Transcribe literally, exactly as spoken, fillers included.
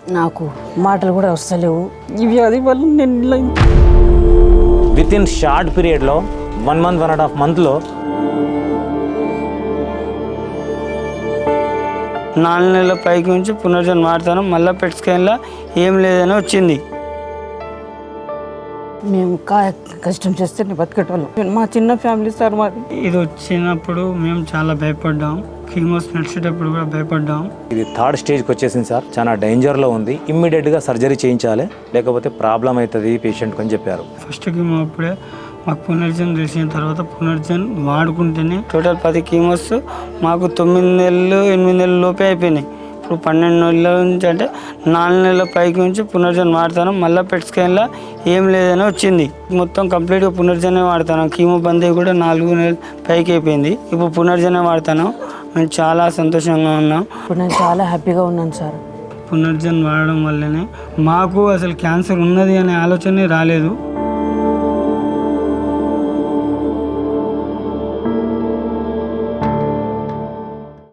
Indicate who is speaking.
Speaker 1: నాకు మాటలు కూడా వస్తలేవు. ఈ వ్యాధి వల్ల నేను
Speaker 2: విత్ ఇన్ షార్ట్ పీరియడ్లో one month one and half మంత్లో
Speaker 3: నాలుగు నెలల పైకి నుంచి పునర్జన్మ వాడతాను. మళ్ళీ పెట్ స్కాన్లో ఏం లేదని వచ్చింది.
Speaker 1: మేము కా కష్టం చేస్తే బతికేటోళ్ళం. మా చిన్న ఫ్యామిలీ సార్ మాది.
Speaker 3: ఇది వచ్చినప్పుడు మేము చాలా భయపడ్డాం. కీమోస్ నడిచేటప్పుడు కూడా భయపడ్డాం.
Speaker 2: ఇది థర్డ్ స్టేజ్కి వచ్చేసింది సార్, చాలా డేంజర్లో ఉంది. ఇమ్మీడియట్గా సర్జరీ చేయించాలి, లేకపోతే ప్రాబ్లం అవుతుంది పేషెంట్కి అని చెప్పారు.
Speaker 3: ఫస్ట్ కీమో అప్పుడే మాకు పునర్జన్ తెలిసిన తర్వాత పునర్జన్ వాడుకుంటేనే టోటల్ పది కీమోస్ మాకు తొమ్మిది నెలలు ఎనిమిది నెలల లోపే అయిపోయినాయి. ఇప్పుడు పన్నెండు నెలల నుంచి అంటే నాలుగు నెలల పైకి నుంచి పునర్జన్ వాడతాను. మళ్ళీ పెట్ స్కాన్లో ఏం లేదని వచ్చింది. మొత్తం కంప్లీట్గా పునర్జనే వాడతాను. కీమో బందీ కూడా నాలుగు నెలల పైకి అయిపోయింది. ఇప్పుడు పునర్జనే వాడతాను. మేము చాలా సంతోషంగా ఉన్నాం.
Speaker 1: ఇప్పుడు నేను చాలా హ్యాపీగా ఉన్నాను సార్.
Speaker 3: పునర్జన్ వాడడం వల్లనే మాకు అసలు క్యాన్సర్ ఉన్నది అనే ఆలోచనే రాలేదు.